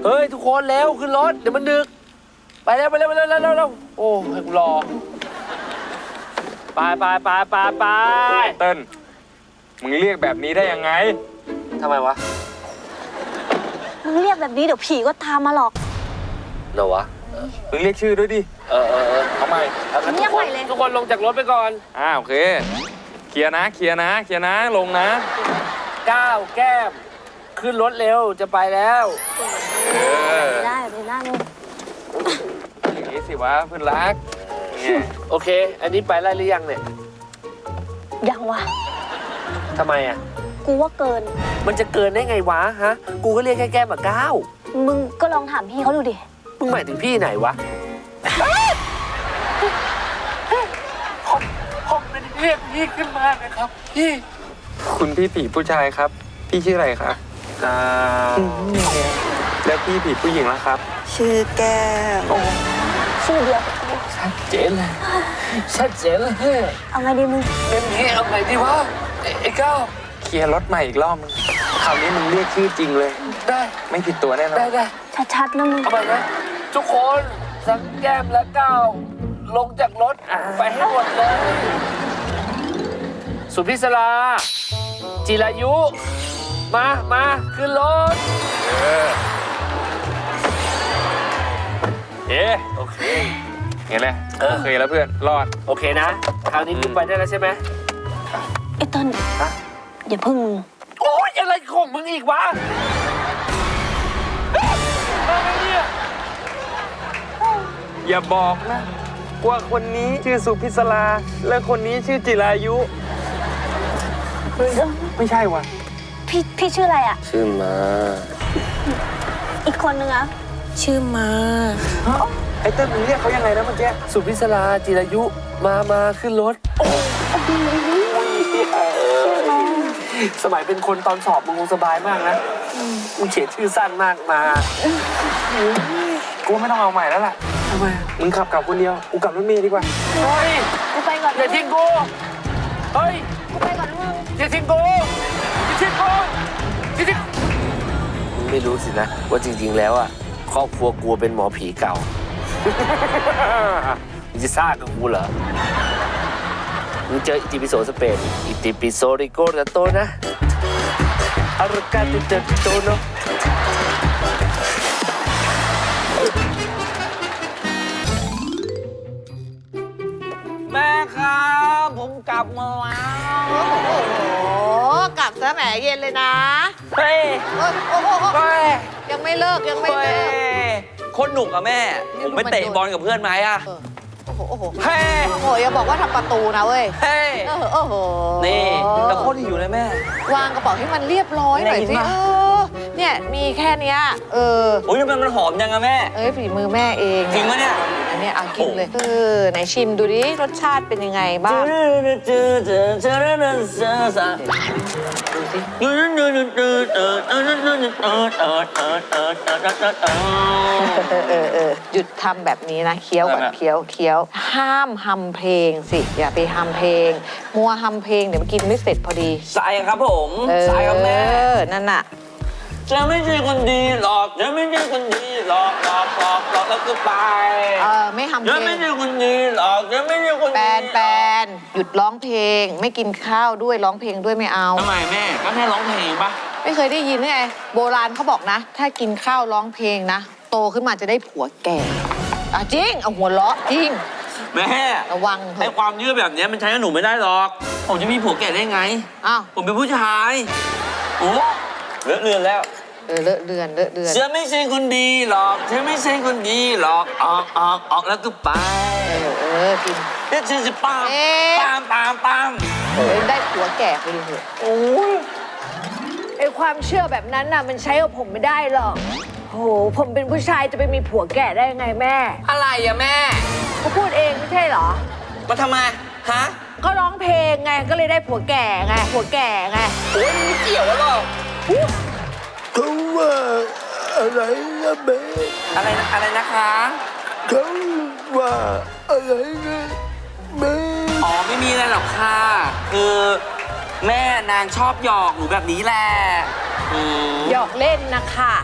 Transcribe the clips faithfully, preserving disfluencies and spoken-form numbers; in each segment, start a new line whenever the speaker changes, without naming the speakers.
เฮ้ยทุกคนเร็วขึ้นรถเดี๋ยวมันดึกไปเร็วไปเร็วไปเร็วเร็วเร็วโอ้ให้กูรอไปไปไปไปไป
เติ้ลมึงเรียกแบบนี้ได้ยังไง
ทำไมวะ
มึงเรียกแบบนี้เดี๋ยวผีก็ตามมาหรอก
เหรอวะ
มึงเรียกชื่อด้วยดิ
เออเออเออ
ทำไม
เรียกใหม่เลย
ทุกคนลงจากรถไปก่อน
อ่าโอเคเคลียร์นะเคลียร์นะเคลียร์นะลงนะ
ก้าวแก้มขึ้นรถเร็วจะไปแล้ว
เออได้ไปนั่ง
อย่างนี้สิวะเพื่อนรัก
โอเคอันนี้ไปไล่หรือยังเนี่ย
ยังวะ
ทำไมอ่ะ
กูว่าเกิน
มันจะเกินได้ไงวะฮะกูก็เรียกแค่แก้มกับก้าว
มึงก็ลองถามพี่เขาดูดิ
มึงหมายถึงพี่ไหนวะผมผมเป็นเรียกพี่ขึ้นมานะครับพี่
คุณพี่ผีผู้ชายครับพี่ชื่ออะไรครับอ่าแล้วพี่ผีผู้หญิงล่ะครับ
ชื่อแก้ว
ชื่อเดียว
ชัดเจนเลยชัดเจนเลย
เอาไงดีมึง
เงินนี้เอาไงดีวะไอ้ก้าว
เคลียร์รถใหม่อีกรอบมึงคราวนี้มึงเรียกชื่อจริงเลย
ได้
ไม่ผิดตัวแน่นอน
ได้ได้
ชัดๆนะมึง
เอาไปนะทุกคนสังแก้มและก้าวลงจากรถไปให้หมดเลยสุพิศราจิรายุมามาขึ้นรถ
เออเอ๊ะ
โอเค
เห็นไหมโอเคแล้วเพื่อนรอด
โอเคนะคราวนี้กูไปได้แล้วใช่ไหม
ไอ้ต้นอย่าพึ่งมึง
โอ๊ยอะไรของมึงอีกวะอะไรเนี่ย
อย่าบอกนะว่าคนนี้ชื่อสุพิศราและคนนี้ชื่อจิรายุไม่ใช่วะ
พี่พี่ชื่ออะไรอ่ะ
ชื่อมา
อีกคนนึงอ่ะ
ชื่อมา
ไอ้เต้นมึงเรียกเขายังไงนะเมื่อกี้
สุพิศราจิรายุมามาขึ้นรถสมัยเป็นคนตอนสอบมึงคงสบายมากนะมึงเขียนชื่อสั้นมากมา
กูไม่ต้องเอาใหม่แล้วล่ะ
ทำไม
มึงขับกลับคนเดียวกูกลับรถเมล์ดีกว่า
เฮ้ย
กูไปก่อน
อย่าทิ้งกูเฮ้ย
กูไปก่อนมึง
อย่าทิ้งกูอย่าทิ้งกูอย่าทิ้งมึงไม่รู้สินะว่าจริงๆแล้วอ่ะครอบครัวกูเป็นหมอผีเก่ามึงจะซ่ากับกูเหรอมึงเจออิติปิโสสเปนอิติปิโสริโกระโตนะอารกาติเตโตโน
แม่ครับผมกลับมาแล้วโอ้โหกลับซะแหมเย็นเลยนะ
เฮ้ย
โอ้โหยังไม่เลิกยังไม่เลิก
โคตรหนุกอะแม่ผมไปเตะบอลกับเพื่อนไหมอะ
โอ้โหโอ้โห
เฮ้
โอ้โหอย่าบอกว่าทำประตูนะเว้ย
เฮ้
โอ้โหโอ้โห
นี่แต่โคตรหิวเลยแม่
วางกระเป๋าให้มันเรียบร้อยหน่อยสิเออเนี่ยมีแค่เนี้ยเออ
โอ้ยมันมันหอมยังอะแม่
เอ้ยฝีมือแม่เอง
จริงปะเนี่ย
อันนี้เอากินเลยเออไหนชิมดูดิรสชาติเป็นยังไงบ้างดูสิเออเออหยุดทำแบบนี้นะเคี้ยวก่อนเคี้ยวเคี้ยวห้ามฮัมเพลงสิอย่าไปฮัมเพลงมัวฮัมเพลงเดี๋ยวมันกินไม่เสร็จพอดี
สายครับผมสายครับแม่
เออนั่นน่ะ
จะไม่ใช่คนดีหรอกจะไม่ใช่คนดีหรอกหลอกหลอกหลอกแล้วก็ไป
เออไม่ฮัมเพลง
จะไม่ใช่คนดีหรอกจะไม่ใช่คน
แปนแปนหยุดร้องเพลงไม่กินข้าวด้วยร้องเพลงด้วยไม่เอา
ทำไมแม่ก็แค่ร้องเพลงปะ
ไม่เคยได้ยินไงโบราณเขาบอกนะถ้ากินข้าวร้องเพลงนะโตขึ้นมาจะได้ผัวแก่อ่ะจริงเอาหัวเราะจริง
แม่
ระวัง
ไอ้ความยืดแบบนี้มันใช้กับหนูไม่ได้หรอกผมจะมีผัวแก่ได้ไง
อ้าว
ผมเป็นผู้ชายโอ้เลอะเลือนแล้ว
เออเลอะเลือนเลอะเลือน
จะไม่ใช่คนดีหรอกจะไม่ใช่คนดีหรอกออกออกออกแล้วก็ไป
เออเออกิน
เดี๋ยวฉันจะปามปามปามปาม
เออได้ผัวแก่ไปดิเถอะ
โอ้ยไอความเชื่อแบบนั้นน่ะมันใช้กับผมไม่ได้หรอกโหผมเป็นผู้ชายจะไปมีผัวแก่ได้ไงแม่
อะไรอะแม่
เขาพูดเองไม่ใช่เหรอ
มาทำไมฮะ
ก็ร้องเพลงไงก็เลยได้ผัวแก่ไงผัวแก่ไง
โอ้ยไม่เกี่ยวหรอก
เขาว่าอะไรนะแม่
อะไรอะไรนะคะ
เขาว่าอะไรนะแม่
อ๋อไม่มีอะไรหรอกค่ะคือแม่นางชอบหยอกหนูแบบนี้แหละ
หยอกเล่นนะคะ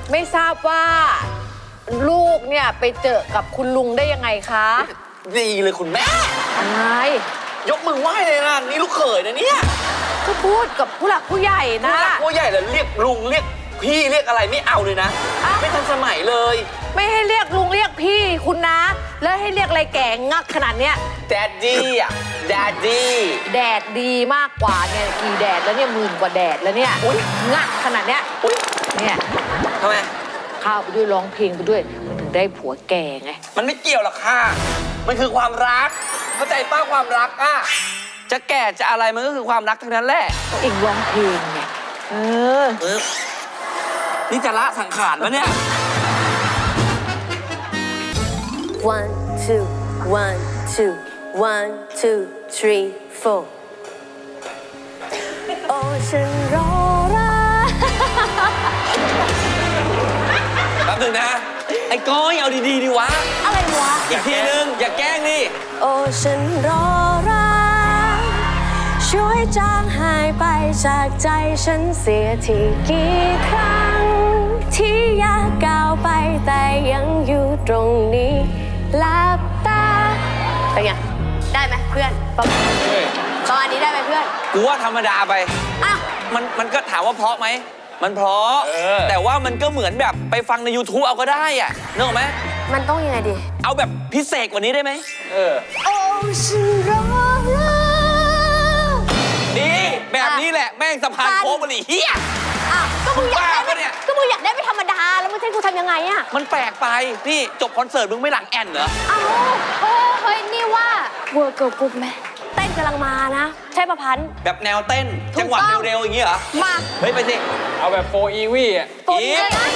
ไม่ทราบว่า ลูกเนี่ยไปเจอกับคุณลุงได้ยังไงคะ
ดีเลยคุณแม่
อะไร
ยกมือไหว้เลยนะนี่ลูกเขยนะเนี่ย
ก็พูดกับผู้หลักผู้ใหญ่นะ
ผู้หลักผู้ใหญ่เลยเรียกลุงเรียกพี่เรียกอะไรไม่เอาเลยนะ
อ้าว
ไม่ทันสมัยเลย
ไม่ให้เรียกลุงเรียกพี่คุณนะ แล้วให้เรียกอะไรแก่งักขนาดเนี้ย
แดดดี้อ่ะแดดดี้
แดดดีมากกว่าเนี่ยกี่แดดแล้วเนี่ยหมื่นกว่าแดดแล้วเนี่ยงักขนาดเนี้ย
อุ๊ย
เนี่ย
ทำไม
ข้าวไปด้วยร้องเพลงไปด้วยมันถึงได้ผัวแก่ไง
มันไม่เกี่ยวหรอกค่ะ มันคือความรัก เข้าใจป้าความรักอ่ะ จะแก่จะอะไรมันก็คือความรักทั้งนั้นแหละ
เองร้องเพลงไงเออ
เออนี่จะละสังขารปะเนี่ย
one two one two one two three four โอ้ฉันรอรัก
แป๊บนึงนะ ไอ้ก้อยเอาดีๆดีวะ
อะไรวะ
อีกทีนึง อย่าแกล้งดิ
โอ้ฉันรอรักช่วยจางหายไปจากใจฉันเสียทีกี่ครั้ง ที่อยากก้าวไปแต่ยังอยู่ตรงนี้หลับตาเป็นไงได้ไหมเพื่อนประมาณประมาณนี้ได้ไหมเพื่อน
กูว่าธรรมดาไป
อ้าว
มันมันก็ถามว่าเพราะไหม มันเพราะ แต่ว่ามันก็เหมือนแบบไปฟังใน YouTube เอาก็ได้อะนึกออกไหม
มันต้องยังไงดี
เอาแบบพิเศษกว่านี้ได้ไหม
โอ้ฉันรอรัก
ดีแบบนี้แหละ แม่งสะพานโค้งมันอีเหี้ย
อ้าวก็มึงอยากได้
บ้าปะเนี่ย
ก็มึงอยากได้ไม่ธรรมดาแล้วมึงจะให้กูทำยังไงอะ
มันแปลกไป นี่จบคอนเสิร์ตมึงไม่หลังแอนเหรอ
อ้าวเฮ้ยเฮ้ยนี่ว่าเวิร์กเกิร์ลกรุ๊ปไหมเต้นกำลังมานะ ใช่ประพันธ์
แบบแนวเต้น
ถูกต้อง
จังหวะเร็วๆอย่างงี้เหรอ
มา
เฮ้ย ไปสิ
เอาแบบโฟอีวี่อ่ะ
โฟนเลยนะ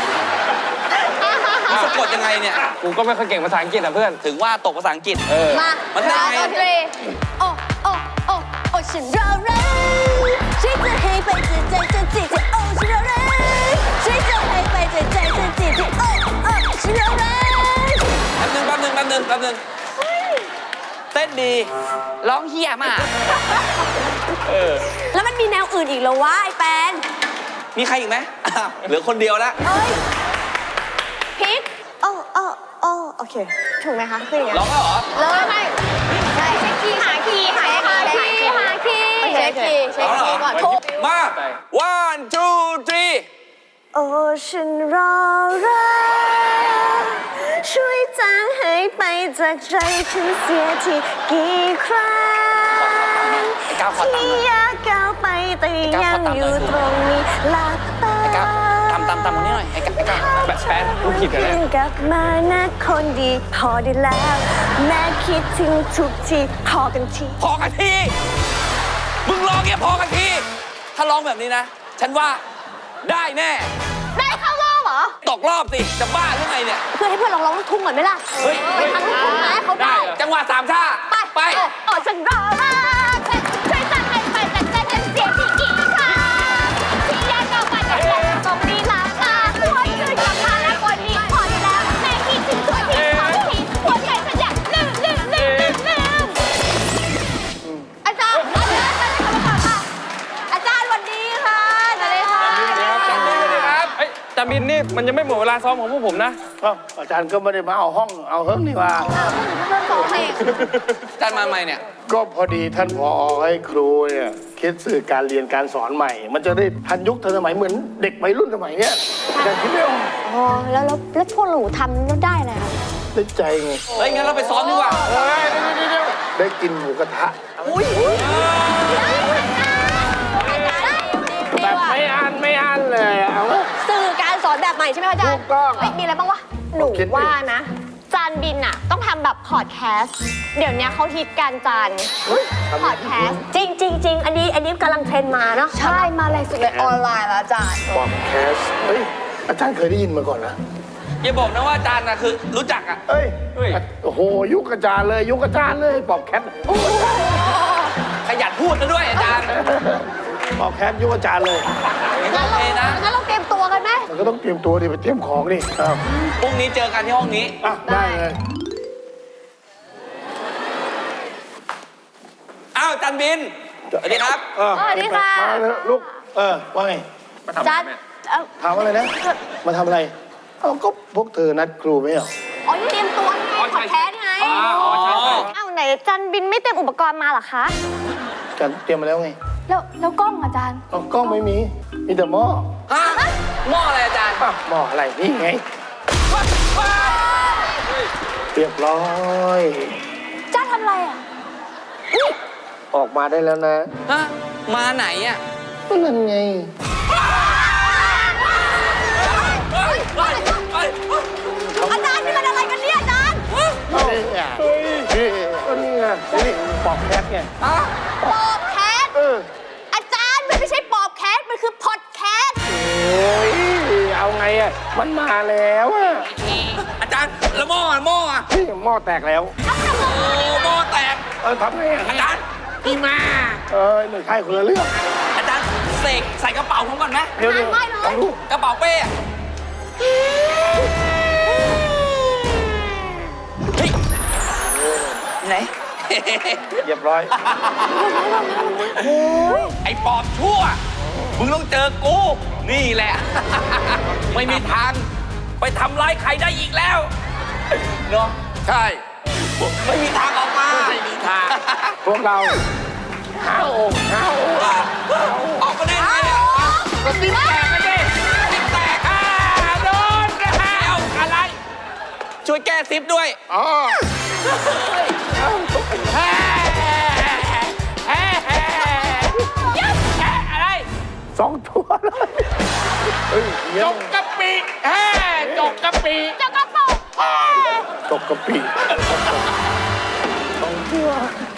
มึงสะกดยังไงเนี่ย
กูก็ไม่ค่อยเก่งภาษาอังกฤษอ่ะเพื่อน
ถึงว่าตกภาษาอังกฤษ
เออ
มา
มันได้ไง
ดนตรีโอ้โอ้โอ้โอ้ฉันรอรักฉันจะให้ไปจะใจจะจีจะโอ้ฉันรอรักฉันจะให้ไปจะใจจะจีจะโอ้โอ้ฉันรอรัก
แป๊บนึงแป๊บนึงแป๊บนึงแป๊บนึงเต้นดี ร้องเฮี้ยมาก
แล้วมันมีแนวอื่นอีกเหรอวะไอ้แปน
มีใครอีกไหมอ้าวเหลือคนเดียวแล้ว
เอ้ยพีคโอ้โอ้โอ้โอเค ถูกไหมคะคืออย่างเงี้ย
ร้องแล้วเหรอ
เลยไม่ใช่เช็คคีย์หาคีย์หาหาคีย์หาคีย์เช็คคีย์เช็คคีย์ก่อนทุก
มา one two three
โอ้ฉันรอรักช่วยจางหายไปจากใจฉันเสียทีกี่ครั้ง
ก้าวขอตามหน่อย
ที่อยากก้าวไปแต่ยังอยู่ตรงนี้หลับตา
ไอ้ก้าวตามตามตามคนนี้หน่อย ไอ้ก้าวไอ้ก้าว
แบบแปนกูผิดกัน
คื
แล้ว
นกลับมานะคนดีพอได้แล้ว แม่คิดถึงทุกทีพอกันที
พอกันที มึงร้องเงี้ยพอกันที ถ้าร้องแบบนี้นะ ฉันว่าได้แน่
ได้เข้ารอบเหรอ
ตกรอบสิ จะบ้าหรือไงเนี่ย
เพื่อให้เพื่อนลองร้องลูกทุ่งก่อนไหมล่ะ
เฮ้ย
ไปทางลูกทุ่งนะให้เขาได้
จังหวะสามชา
ไป
ไป
โอ้ฉันรอรักช่วยจางหายไปจากใจฉันเสียทีกี่ครั้งที่อยากก้าวไปแต่ยังตรงนี้หลับตาหัวชื่อกลับมานะคนดีพอได้แล้วแม่คิดถึงทุกทีพอทีหัวใจฉันอยากลืมลืมลืมลืมลืมอาจารย์อาจารย์อาจารย์ทำมาก่อนค่ะอาจารย์สวัสดีค่ะสวัสดีค่ะ
ครับเอ้ยจามินนี่มันยังไม่หมดเวลาซ้อมของพวกผมนะ
อ้าวอาจารย์ก็ไม่ได้มาเอาห้องเอาเฮิร์กนี่ว่า
เริ่มสองเพลง
จานมาใหม่เนี่ย
ก็พอดีท่านผอให้ครูเนี่ยคิดสื่อการเรียนการสอนใหม่ มันจะได้ทันยุคทันสมัยเหมือนเด็กวัยรุ่นสมัยเนี้ยอาจารย์คิดไม่ออก
อ๋อแล้วแล้วแล้วพวกหนูทำแล้วได้อะไรคะ
ได้ใจไง
เฮ้ย งั้นเราไปซ้อมดีกว่า
เฮ้ยเดี๋ยวเดี๋ยวได้กินหมูกระทะ แบบไม่อันไม่อันเลยเอาวะ
สื่อการสอนแบบใหม่ใช่ไหมคะอาจารย์
ถูกต้อง
เฮ้ยมีอะไรบ้างวะ
หนู
คิดดิ
ว่านะ จานบินอะต้องทำแบบพอดแคสต์ เดี๋ยวนี้เขาฮิตการจานพอดแคสต์
จริงจริงจริงอันนี้อันนี้กำลังเทรนด์มาเนาะ
ใช่มาแรงสุดเลยออนไลน์แล้วอาจารย์
ปอดแคสต์เฮ้ยอาจารย์เคยได้ยินมาก่อนนะ
อย่าบอกนะว่าอาจารย์นะคือรู้จักอ่ะ
เอ้ย
เฮ้ย
โอ้โหยุคอาจารย์เลยยุคอาจารย์เลยปอบแคท
ขยันพูดนะด้วยอาจารย์
ปอบแคทยุคอาจารย์เลย
งั้นก็โอเคนะ
งั้นเราเตรียมตัวกันไหม
มันก็ต้องเตรียมตัวดิไปเตรียมของดิอ้าว
พรุ่งนี้เจอกันที่ห้องนี้
อ่ะได้เลย
อ้าวจันบิน สวัสดีครับ
เออ
สวัสดีค่ะ
มาเลยลูกเออว่าไง
จัดเอ่อ
ถามอะไรนะ มาทำอะไร เอ้าก็พวกเธอนัดครูไม่เหรอ
อ๋อเตรียมตัวไงพอดแคสต์ไง
อ๋อใช่ใช่
อ้าวไหนจันบินไม่เตรียมอุปกรณ์มาเหรอคะ
กันเตรียมมาแล้วไง
แล้วแล้วกล้องอาจารย์
เอากล้องไม่มี มีแต่หม้อ
ฮะหม้ออะไรอาจารย์
อ่ะหม้ออะไรนี่ไง เรียบร้อย
จ้าทำอะไรอ่ะ
ออกมาได้แล้วนะ
ฮะ มาไหนอ่ะ
นั่นไง
อาจารย์นี่มันอะไรกันเนี่ยอาจารย์
เอาเนี่ยก็นี่ไงนี่ปอกแคทไง
ปอบแคสต์
เออ
อาจารย์มันไม่ใช่ปอบแคสต์มันคือพอดแคสต์
โอ้ยเอาไงอ่ะ มันมาแล้วอ่ะ
อาจารย์แล้วหม้ออ่ะหม้ออ่ะ
นี่หม้อแตกแล้ว
โอ้หม้อแตก
เออทำไงอ่ะ
อาจารย์พี่มา
เออไม่ใช่คนละเรื่อง
อาจารย์เสกใส่กระเป๋าผมก่อนไหม
เดี๋ยวเดี๋ยวลองดู
กระเป๋าเป้อะเฮ้ยไหน
เรียบร้อย
ไอ้ปอบชั่ว มึงต้องเจอกู นี่แหละ ไม่มีทางไปทำร้ายใครได้อีกแล้ว เนาะใช่ ไม่มีทางออกมา ไม่มีทาง
พวกเราห้าองค์ห้าองค์
ออกมาได้ไงอ่ะ
ก็ติ๊บแตกกันดิ
ซิปแตกอ่ะโดนนะฮะเอาอะไร ช่วยแก้ซิปด้วย
อ๋อ
อะไร
สองตัวเลยเฮ้ยเยี่ย
จ
ม
กกะปิแฮ่จกกะปิ
เจ้ากระป๋อง
ตกกะปิสองตัว